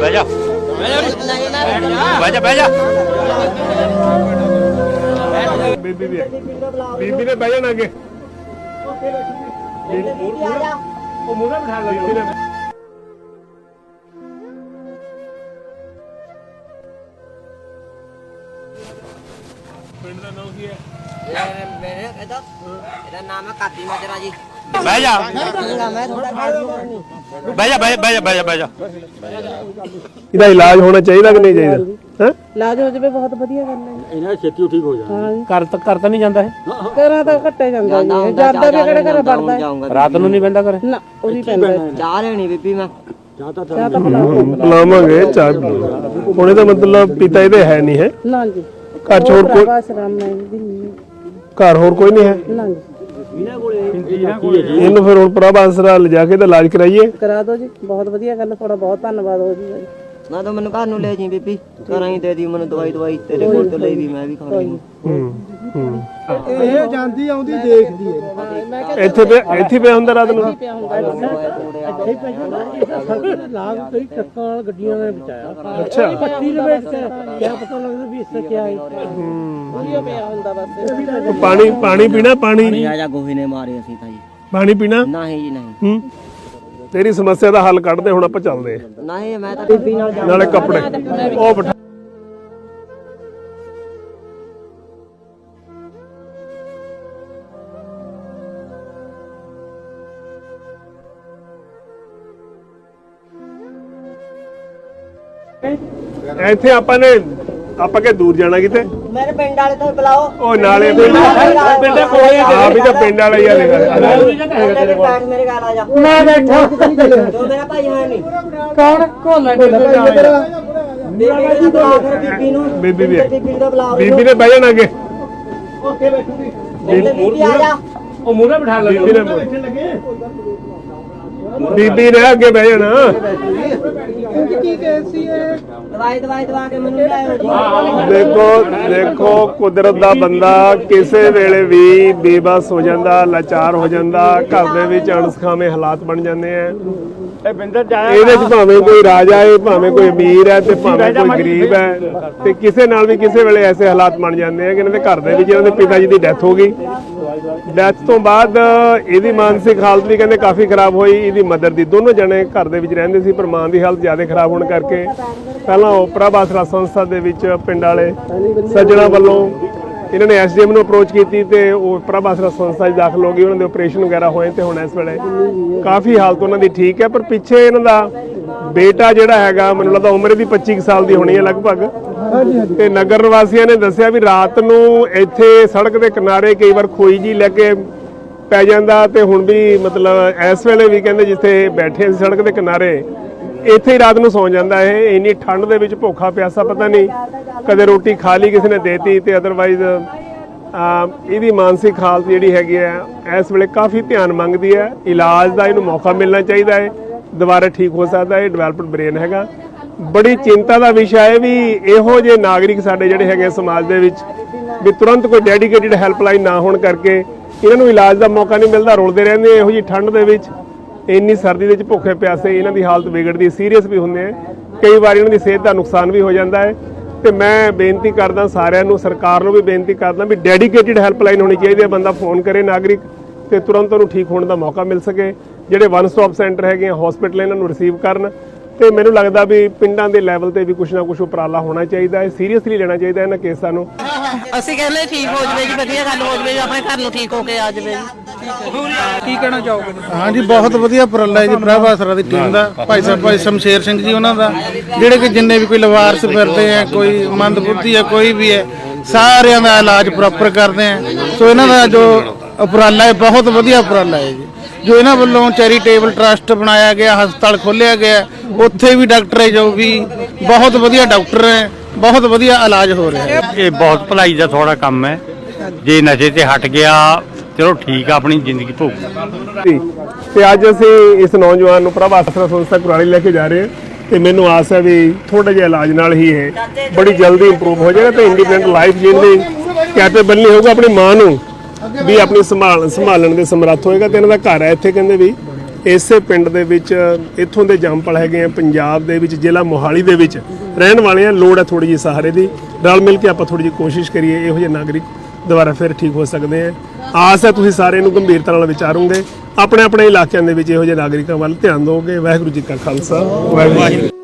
ਬਹਿ ਜਾ ਬਹਿ ਜਾ ਬੀਬੀ ਨੇ ਬਹਿ ਜਾਣਾ ਅੱਗੇ ਉਹ ਮੂਹਰੇ ਬਿਠਾ ਲੈ ਬੀਬੀ ਨੇ ਪਿੰਡ ਦਾ ਨਾਮ ਕੀ ਹੈ ਮੇਰੇ ਇਹਦਾ ਨਾਮ ਹੈ ਕਾਦੀ ਮਾਜਰਾ ਜੀ। ਬਹਿ ਜਾ ਮੈਂ ਥੋੜਾ ਬਹਿ ਜਾ ਇਹਦਾ ਇਲਾਜ ਹੋਣਾ ਚਾਹੀਦਾ ਕਿ ਨਹੀਂ ਚਾਹੀਦਾ ਹੈ ਇਲਾਜ ਹੋ ਜਾਵੇ ਬਹੁਤ ਵਧੀਆ ਗੱਲ ਹੈ। ਇਹਨਾਂ ਛੇਤੀ ਠੀਕ ਹੋ ਜਾਣਾ। ਹਾਂ ਕਰ ਤਾਂ ਨਹੀਂ ਜਾਂਦਾ ਇਹ ਘਰਾਂ ਤਾਂ ਘੱਟੇ ਜਾਂਦਾ ਜੀ ਜਾਂਦਾ ਵੀ ਕਿਹੜੇ ਘਰੇ ਵੜਦਾ ਹੈ। ਰਾਤ ਨੂੰ ਨਹੀਂ ਬਹਿੰਦਾ ਘਰੇ ਨਾ ਉਹੀ ਪੈਂਦਾ ਚਾਹ ਲੈਣੀ ਬੀਬੀ ਮੈਂ ਚਾਹ ਤਾਂ ਲਾਵਾਂਗੇ ਚਾਹ ਹੁਣ ਇਹਦਾ ਮਤਲਬ ਪਿਤਾ ਇਹਦੇ ਹੈ ਨਹੀਂ ਹੈ ਨਾ ਜੀ ਘਰ ਚ ਹੋਰ ਕੋਈ ਬਸ ਰਾਮ ਨਾਲ ਜੀ ਘਰ ਹੋਰ ਕੋਈ ਨਹੀਂ ਹੈ ਨਾ ਜੀ ਇਹਨੂੰ ਫਿਰ ਹੁਣ ਪ੍ਰਭ ਆਸਰਾ ਲਿਜਾ ਕੇ ਇਹਦਾ ਇਲਾਜ ਕਰਾਈਏ ਕਰਾ ਦਿਓ ਜੀ ਬਹੁਤ ਵਧੀਆ ਗੱਲ ਤੁਹਾਡਾ ਬਹੁਤ ਧੰਨਵਾਦ ਹੋ ਜੀ ਨਾ ਤਾਂ ਮੈਨੂੰ ਘਰ ਨੂੰ ਲੈ ਜੀ ਬੀਬੀ ਘਰਾਂ ਹੀ ਦੇ ਦੀ ਮੈਨੂੰ ਦਵਾਈ ਤੇਰੇ ਕੋਲ ਤੋਂ ਲਈ ਵੀ ਮੈਂ ਵੀ ਖਾਣੀ ਇਹ ਜਾਂਦੀ ਆਉਂਦੀ ਦੇਖਦੀ ਹੈ ਇੱਥੇ ਪਿਆ ਹੁੰਦਾ ਰਾਤ ਨੂੰ ਲਾਭ ਕਈ ਟੱਕਾਂ ਵਾਲ ਗੱਡੀਆਂ ਨੇ ਬਚਾਇਆ ਅੱਛਾ ਪੱਟੀ ਲਵੇਟ ਕੇ ਕਿਆ ਪਤਾ ਲੱਗਦਾ ਵੀ ਇਸ ਤੇ ਕੀ ਹੈ ਵਧੀਆ ਪਿਆ ਹੁੰਦਾ ਬਸ ਪਾਣੀ ਪੀਣਾ ਪਾਣੀ ਆ ਜਾ ਗੋਹੇ ਨੇ ਮਾਰੇ ਅਸੀਂ ਤਾਂ ਜੀ ਪਾਣੀ ਪੀਣਾ ਨਹੀਂ ਜੀ ਨਹੀਂ ਤੇਰੀ ਸਮੱਸਿਆ ਦਾ ਹੱਲ ਕੱਢਦੇ ਹੁਣ ਆਪਾਂ ਚੱਲਦੇ ਨਹੀਂ ਮੈਂ ਤਾਂ ਬੀਬੀ ਨਾਲ ਨਾਲੇ ਕੱਪੜੇ ਉਹ ਬਿਠਾ ਇੱਥੇ ਆਪਾਂ ਕਿ ਦੂਰ ਜਾਣਾ ਕਿਤੇ ਮੇਰੇ ਪਿੰਡ ਵਾਲੇ ਤੋਂ ਬੁਲਾਓ ਉਹ ਨਾਲੇ ਪਿੰਡ ਕੋਲੇ ਆ ਵੀ ਤਾਂ ਪਿੰਡ ਵਾਲਾ ਹੀ ਆ ਮੇਰੇ ਘਰ ਆ ਜਾ ਮੈਂ ਬੈਠਾ ਤੂੰ ਮੇਰਾ ਭਾਈ ਹੈ ਨਹੀਂ ਕੌਣ ਕੋਲਾ ਬੀਬੀ ਨੂੰ ਬੀਬੀ ਵੀ ਬੀਬੀ ਦਾ ਬੁਲਾਓ ਬੀਬੀ ਨੇ ਬਹਿ ਜਾਣਾ ਅੱਗੇ ਬੀਬੀ ਆ ਜਾ ਉਹ ਮੂਹਰੇ ਬਿਠਾ ਲੈ ਬੀਬੀ ਨੇ ਅੱਗੇ ਬਹਿ ਜਾਣਾ ਦਵਾਈ ਦਵਾ ਕੇ ਮੈਨੂੰ ਲਿਆਓ ਜੀ ਦੇਖੋ ਕੁਦਰਤ ਦਾ ਬੰਦਾ ਕਿਸੇ ਵੇਲੇ ਵੀ ਬੇਬਸ ਹੋ ਜਾਂਦਾ ਲਾਚਾਰ ਹੋ ਜਾਂਦਾ ਘਰ ਦੇ ਵਿੱਚ ਅਣਸਖਾਵੇਂ ਹਾਲਾਤ ਬਣ ਜਾਂਦੇ ਆ ਇਹਦੇ ਚ ਭਾਵੇਂ ਕੋਈ ਰਾਜਾ ਹੈ ਭਾਵੇਂ ਕੋਈ ਅਮੀਰ ਹੈ ਤੇ ਭਾਵੇਂ ਕੋਈ ਗਰੀਬ ਹੈ ਤੇ ਕਿਸੇ ਨਾਲ ਵੀ ਕਿਸੇ ਵੇਲੇ ਐਸੇ ਹਾਲਾਤ ਬਣ ਜਾਂਦੇ ਆ ਕਿ ਇਹਨਾਂ ਦੇ ਘਰ ਦੇ ਵਿੱਚ ਇਹਨਾਂ ਦੇ ਪਿਤਾ ਜੀ ਦੀ ਡੈਥ ਹੋ ਗਈ ਡੈਥ ਤੋਂ ਬਾਅਦ ਇਹਦੀ ਮਾਨਸਿਕ ਹਾਲਤ ਵੀ ਕਹਿੰਦੇ ਕਾਫੀ ਖਰਾਬ ਹੋਈ ਇਹਦੀ ਮਦਰ ਦੀ ਦੋਨੋਂ ਜਣੇ ਘਰ ਦੇ ਵਿੱਚ ਰਹਿੰਦੇ ਸੀ ਪਰ ਮਾਂ ਦੀ ਹਾਲਤ ਜ਼ਿਆਦਾ ਖਰਾਬ ਹੋਣ ਕਰਕੇ ਪਹਿਲਾਂ ਉਹ ਪ੍ਰਭ ਆਸਰਾ ਸੰਸਥਾ ਦੇ ਵਿੱਚ ਪਿੰਡ ਵਾਲੇ ਸੱਜਣਾ ਵੱਲੋਂ ਇਹਨਾਂ ਨੇ ਐਸਡੀਐਮ ਨੂੰ ਅਪਰੋਚ ਕੀਤੀ ਤੇ ਉਹ ਪ੍ਰਭ ਆਸਰਾ ਸੰਸਥਾ 'ਚ ਦਾਖਲ ਹੋ ਗਈ ਉਹਨਾਂ ਦੇ ਆਪਰੇਸ਼ਨ ਵਗੈਰਾ ਹੋਏ ਤੇ ਹੁਣ ਇਸ ਵੇਲੇ ਕਾਫੀ ਹਾਲਤ ਉਹਨਾਂ ਦੀ ਠੀਕ ਹੈ ਪਰ ਪਿੱਛੇ ਇਹਨਾਂ ਦਾ ਬੇਟਾ ਜਿਹੜਾ ਹੈਗਾ ਮੈਨੂੰ ਲੱਗਦਾ ਉਮਰ ਦੀ 25 ਸਾਲ ਦੀ ਹੋਣੀ ਹੈ ਲਗਭਗ ਤੇ ਨਗਰ ਨਿਵਾਸੀਆਂ ਨੇ ਦੱਸਿਆ ਵੀ ਰਾਤ ਨੂੰ ਇੱਥੇ ਸੜਕ ਦੇ ਕਿਨਾਰੇ ਕਈ ਵਾਰ ਖੋਈ ਜੀ ਲੈ ਕੇ ਪੈ ਜਾਂਦਾ ਤੇ ਹੁਣ ਵੀ ਮਤਲਬ ਇਸ ਵੇਲੇ ਵੀ ਕਹਿੰਦੇ ਜਿੱਥੇ ਬੈਠੇ ਸੀ ਸੜਕ ਦੇ ਕਿਨਾਰੇ ਇੱਥੇ ਹੀ ਰਾਤ ਨੂੰ ਸੌਂ ਜਾਂਦਾ ਇਹ ਇੰਨੀ ਠੰਡ ਦੇ ਵਿੱਚ ਭੁੱਖਾ ਪਿਆਸਾ ਪਤਾ ਨਹੀਂ ਕਦੇ ਰੋਟੀ ਖਾ ਲਈ ਕਿਸੇ ਨੇ ਦੇਤੀ ਤੇ ਅਦਰਵਾਈਜ਼ ਇਹਦੀ ਮਾਨਸਿਕ ਹਾਲਤ ਜਿਹੜੀ ਹੈਗੀ ਹੈ ਇਸ ਵੇਲੇ ਕਾਫੀ ਧਿਆਨ ਮੰਗਦੀ ਹੈ ਇਲਾਜ ਦਾ ਇਹਨੂੰ ਮੌਕਾ ਮਿਲਣਾ ਚਾਹੀਦਾ ਹੈ ਦੁਬਾਰਾ ਠੀਕ ਹੋ ਸਕਦਾ ਹੈ ਡਿਵੈਲਪਡ ਬ੍ਰੇਨ ਹੈਗਾ ਬੜੀ ਚਿੰਤਾ ਦਾ ਵਿਸ਼ਾ ਹੈ ਵੀ ਇਹੋ ਜਿਹੇ ਨਾਗਰਿਕ ਸਾਡੇ ਜਿਹੜੇ ਹੈਗੇ ਸਮਾਜ ਦੇ ਵਿੱਚ ਵੀ ਤੁਰੰਤ ਕੋਈ ਡੈਡੀਕੇਟਿਡ ਹੈਲਪਲਾਈਨ ਨਾ ਹੋਣ ਕਰਕੇ ਇਹਨਾਂ ਨੂੰ ਇਲਾਜ ਦਾ ਮੌਕਾ ਨਹੀਂ ਮਿਲਦਾ ਰੁਲਦੇ ਰਹਿੰਦੇ ਇਹੋ ਜਿਹੀ ਠੰਡ ਦੇ ਵਿੱਚ ਇੰਨੀ ਸਰਦੀ ਦੇ ਵਿੱਚ ਭੁੱਖੇ ਪਿਆਸੇ ਇਹਨਾਂ ਦੀ ਹਾਲਤ ਵਿਗੜਦੀ ਸੀਰੀਅਸ ਵੀ ਹੁੰਦੇ ਆ ਕਈ ਵਾਰ ਇਹਨਾਂ ਦੀ ਸਿਹਤ ਦਾ ਨੁਕਸਾਨ ਵੀ ਹੋ ਜਾਂਦਾ ਹੈ ਤੇ ਮੈਂ ਬੇਨਤੀ ਕਰਦਾ ਸਾਰਿਆਂ ਨੂੰ ਸਰਕਾਰ ਨੂੰ ਵੀ ਬੇਨਤੀ ਕਰਦਾ ਵੀ ਡੈਡੀਕੇਟਿਡ ਹੈਲਪਲਾਈਨ ਹੋਣੀ ਚਾਹੀਦੀ ਹੈ ਬੰਦਾ ਫੋਨ ਕਰੇ ਨਾਗਰਿਕ ਤੇ ਤੁਰੰਤ ਉਹਨੂੰ ਠੀਕ ਹੋਣ ਦਾ ਮੌਕਾ ਮਿਲ ਸਕੇ ਜਿਹੜੇ ਵਨ ਸਟਾਪ ਸੈਂਟਰ ਹੈਗੇ ਹਸਪੀਟਲ ਇਹਨਾਂ ਨੂੰ ਰਿਸੀਵ ਕਰਨ ਤੇ ਮੈਨੂੰ ਲੱਗਦਾ ਵੀ ਪਿੰਡਾਂ ਦੇ ਲੈਵਲ ਤੇ ਵੀ ਕੁਛ ਨਾ ਕੁਛ ਉਪਰਾਲਾ ਹੋਣਾ ਚਾਹੀਦਾ ਹੈ ਸੀਰੀਅਸਲੀ ਲੈਣਾ ਚਾਹੀਦਾ ਇਹਨਾਂ ਕੇਸਾਂ ਨੂੰ ਅਸੀਂ ਕਹਿੰਦੇ ਠੀਕ ਹੋ ਜਵੇ ਜੀ ਵਧੀਆ ਗੱਲ ਹੋ ਜਵੇ ਆਪਣੇ ਘਰ ਨੂੰ ਠੀਕ ਹੋ ਕੇ ਆ ਜਵੇ ਕੀ ਕਹਿਣਾ ਚਾਹੋਗੇ ਹਾਂਜੀ ਬਹੁਤ ਵਧੀਆ ਉਪਰਾਲਾ ਹੈ ਜੀ ਪ੍ਰਭ ਆਸਰਾ ਦੀ ਟੀਮ ਦਾ ਭਾਈ ਸਾਹਿਬ ਭਾਈ ਸ਼ਮਸ਼ੇਰ ਸਿੰਘ ਜੀ ਉਹਨਾਂ ਦਾ ਜਿਹੜੇ ਕਿ ਜਿੰਨੇ ਵੀ ਕੋਈ ਲਵਾਰਸ ਫਿਰਦੇ ਆ ਕੋਈ ਮੰਦਬੁੱਧੀ ਹੈ ਕੋਈ ਵੀ ਹੈ ਸਾਰਿਆਂ ਦਾ ਇਲਾਜ ਪ੍ਰੋਪਰ ਕਰਦੇ ਆ ਸੋ ਇਹਨਾਂ ਦਾ ਜੋ ਉਪਰਾਲਾ ਹੈ ਬਹੁਤ ਵਧੀਆ ਉਪਰਾਲਾ ਹੈ ਜੀ ਜੋ ਇਹਨਾਂ ਵੱਲੋਂ ਚੈਰੀਟੇਬਲ ਟਰਸਟ ਬਣਾਇਆ ਗਿਆ ਹਸਪਤਾਲ ਖੋਲ੍ਹਿਆ ਗਿਆ ਉੱਥੇ ਵੀ ਡਾਕਟਰ ਹੈ ਜੋ ਵੀ ਬਹੁਤ ਵਧੀਆ ਡਾਕਟਰ ਹੈ ਬਹੁਤ ਵਧੀਆ ਇਲਾਜ ਹੋ ਰਿਹਾ ਹੈ ਇਹ ਬਹੁਤ ਭਲਾਈ ਦਾ ਥੋੜਾ ਕੰਮ ਹੈ ਜੇ ਨਸ਼ੇ ਤੇ ਹਟ ਗਿਆ ਚਲੋ ਠੀਕ ਆ ਆਪਣੀ ਜ਼ਿੰਦਗੀ ਭੋਗ ਤੇ ਅੱਜ ਅਸੀਂ ਇਸ ਨੌਜਵਾਨ ਨੂੰ ਪ੍ਰਭ ਆਸਰਾ ਸੰਸਥਾ ਕੁਰਾਲੀ ਲੈ ਕੇ ਜਾ ਰਹੇ ਹਾਂ ਤੇ ਮੈਨੂੰ ਆਸ ਹੈ ਵੀ ਥੋੜੇ ਜਿਹੇ ਇਲਾਜ ਨਾਲ ਹੀ ਇਹ ਬੜੀ ਜਲਦੀ ਇੰਪਰੂਵ ਹੋ ਜਾਏਗਾ ਤੇ ਇੰਡੀਪੈਂਡੈਂਟ ਲਾਈਫ ਜੀਣ ਦੀ ਕੈਪੇਬਲ ਨਹੀਂ ਹੋਊਗਾ ਆਪਣੀ ਮਾਂ ਨੂੰ ਵੀ ਆਪਣੀ ਸੰਭਾਲਣ ਦੇ ਸਮਰੱਥ ਹੋਏਗਾ ਤੇ ਇਹਨਾਂ ਦਾ ਘਰ ਹੈ ਇੱਥੇ ਕਹਿੰਦੇ ਵੀ ਇਸੇ ਪਿੰਡ ਦੇ ਵਿੱਚ ਇੱਥੋਂ ਦੇ ਜੰਮਪਲ ਹੈਗੇ ਆ, ਪੰਜਾਬ ਦੇ ਵਿੱਚ ਜ਼ਿਲ੍ਹਾ ਮੋਹਾਲੀ ਦੇ ਵਿੱਚ ਰਹਿਣ ਵਾਲੇ ਆ। ਲੋੜ ਹੈ ਥੋੜੀ ਜਿਹੀ ਸਹਾਰੇ ਦੀ, ਰਲ ਮਿਲ ਕੇ ਆਪਾਂ ਥੋੜੀ ਜਿਹੀ ਕੋਸ਼ਿਸ਼ ਕਰੀਏ, ਇਹੋ ਜਿਹੇ ਨਾਗਰਿਕ ਦੁਬਾਰਾ ਫਿਰ ਠੀਕ ਹੋ ਸਕਦੇ ਆ। ਆਸ ਹੈ ਤੁਸੀਂ ਸਾਰੇ ਨੂੰ ਗੰਭੀਰਤਾ ਨਾਲ ਵਿਚਾਰੋਗੇ, ਆਪਣੇ ਆਪਣੇ ਇਲਾਕਿਆਂ ਦੇ ਵਿੱਚ ਇਹੋ ਜਿਹੇ ਨਾਗਰਿਕਾਂ ਵੱਲ ਧਿਆਨ ਦਿਓਗੇ। ਵਾਹਿਗੁਰੂ ਜੀ ਕਾ ਖਾਲਸਾ, ਵਾਹਿਗੁਰੂ ਜੀ ਕੀ ਫਤਿਹ।